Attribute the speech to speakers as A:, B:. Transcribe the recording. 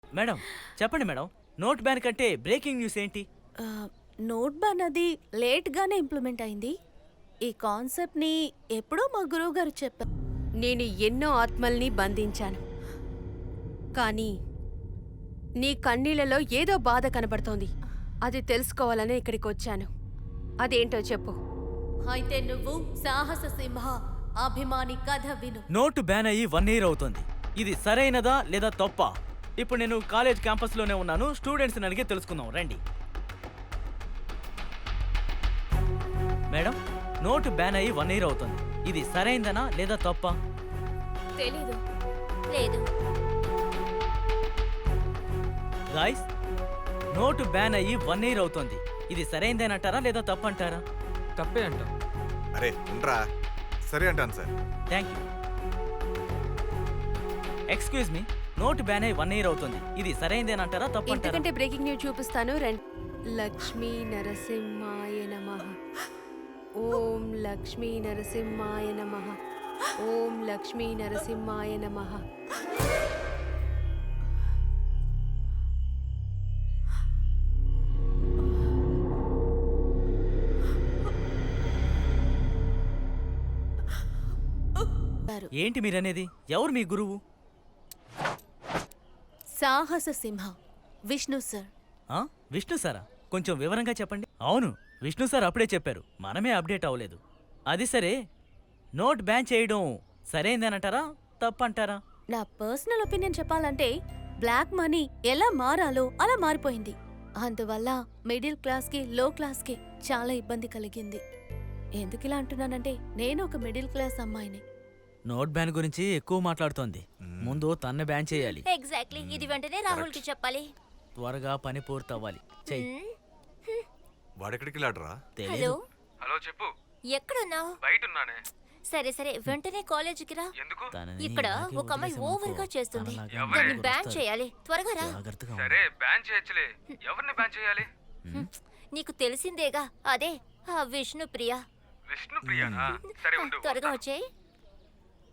A: Madam చెప్పండి madam, note ban కంటే breaking news ఏంటి?
B: ఆ, నోట్ బ్యాన్ అది లేట్గానే ఇంప్లిమెంట్ అయింది. ఈ కాన్సెప్ట్ని ఎప్పుడో మా గురువు గారు చెప్పారు.
C: నేను ఎన్నో ఆత్మల్ని బంధించాను, కానీ నీ కన్నీళ్లలో ఏదో బాధ కనబడుతోంది. అది తెలుసుకోవాలనే ఇక్కడికి వచ్చాను. అదేంటో చెప్పు.
B: అయితే నువ్వు సాహస సింహ అభిమాని కథ విను.
A: నోటు బ్యాన్ అయ్యి 1 year అవుతుంది. ఇది సరైనదా లేదా తప్పా? ఇప్పుడు నేను కాలేజ్ క్యాంపస్లోనే ఉన్నాను. స్టూడెంట్స్ని అడిగి తెలుసుకుందాం రండి. మేడం, నోటు బ్యాన్ అయ్యి 1 year అవుతుంది. ఇది సరైనదనా లేదా తప్పా?
B: తెలీదు. లేదు.
A: గాయ్స్, నోటు బ్యాన్ అయ్యి 1 year అవుతుంది. ఇది సరైనదేనంటారా లేదా తప్పంటారా?
D: తప్పే అంటాం.
E: అరే ఉండరా, సరే అంటాను sir.
A: Thank you. Excuse me, note ban అయ్యి 1 year అవుతుంది. ఇది సరైనదేనంటారా తప్పంటారా?
C: ఇంతకంటే బ్రేకింగ్ న్యూస్ చూపిస్తాను రండి. లక్ష్మీ నరసింహాయ నమః. ఓం లక్ష్మీ నరసింహాయ నమః. ఓం లక్ష్మీ నరసింహాయ నమః.
A: ఏంటి మీరనేది? ఎవరు మీ గురువు?
B: సాహస సింహ విష్ణు సార్.
A: ఆ? విష్ణు సారా? కొంచెం వివరంగా చెప్పండి. అవును, విష్ణు సార్ అప్పుడే చెప్పారు, మనమే అప్డేట్ అవ్వలేదు. అది సరే, నోట్ బ్యాన్ చేయడం సరైందేనంటారా తప్పంటారా?
B: నా పర్సనల్ ఒపీనియన్ చెప్పాలంటే బ్లాక్ మనీ ఎలా మారాలో అలా మారిపోయింది. అందువల్ల మిడిల్ క్లాస్కి లో క్లాస్కి చాలా ఇబ్బంది కలిగింది. ఎందుకు ఇలా అంటున్నానంటే నేను ఒక మిడిల్ క్లాస్ అమ్మాయిని.
A: నోట్ బ్యాన్ గురించి ఎక్కువ మాట్లాడుతోంది. ముందు తన్ను బ్యాన్ చేయాలి.
F: ఎగ్జాక్ట్లీ, ఇది వెంటనే రాహుల్ కి చెప్పాలి.
A: త్వరగా పని పూర్తవ్వాలి. చెయ్యి.
E: వాడెక్కడికి వెళ్ళాడరా?
A: తెలీదు.
F: హలో,
D: హలో చెప్పు.
F: ఎక్కడున్నావు?
D: బయట ఉన్నానే.
F: సరే సరే, వెంటనే కాలేజీకి రా.
D: ఎందుకు?
A: తనని
F: ఇక్కడ
A: ఇలాగే
F: ఒక అమ్మాయి
A: వదిలేసామనుకో,
F: ఓవర్ గా చేస్తుంది.
A: తనలాగే
D: ఎవరే?
F: దాన్ని
A: ఇంకొకరు
F: బ్యాన్
A: వస్తారు.
F: చేయాలి. త్వరగా రా.
A: జాగ్రత్తగా
D: సరే బ్యాన్ చేయొచ్చులే. ఎవరిని బ్యాన్ చేయాలి?
F: నీకు తెలిసిందేగా, అదే ఆ విష్ణు ప్రియ.
D: విష్ణు ప్రియానా? సరే ఉండు.
F: త్వరగా వచ్చేయ్.